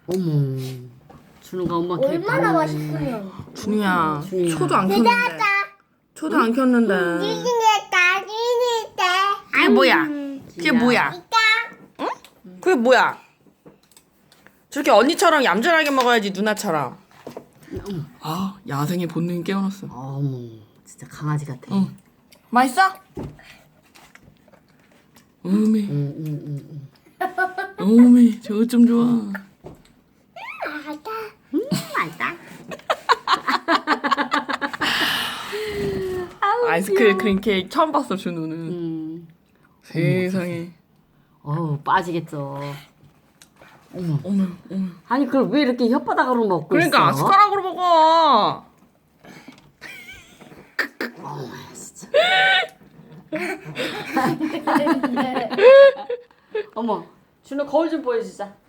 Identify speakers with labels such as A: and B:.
A: 어머. 준우가 엄마 케이크
B: 얼마나
A: 받네.
B: 맛있으면.
C: 준우야,
A: 준우야.
C: 초도 안 켰는데. 초도 안 켰는데. 그게 뭐야? 그게 뭐야? 응? 그게 뭐야? 저렇게 언니처럼 얌전하게 먹어야지 누나처럼. 아, 야생의 본능이 깨어났어.
A: 어머. 진짜 강아지 같아.
C: 응. 맛있어? 어메,
A: 응.
C: 어메, 저거 좀 좋아.
A: 맛있다.
C: 아이스크림 케이크 처음 봤어, 준우는. 세상에.
A: 빠지겠죠. 어머.
C: 어머.
A: 아니 그걸 왜 이렇게 혓바닥으로 먹고
C: 그러니까
A: 있어?
C: 숟가락으로 먹어.
A: 진짜. 어머. 준우 거울 좀 보여주자.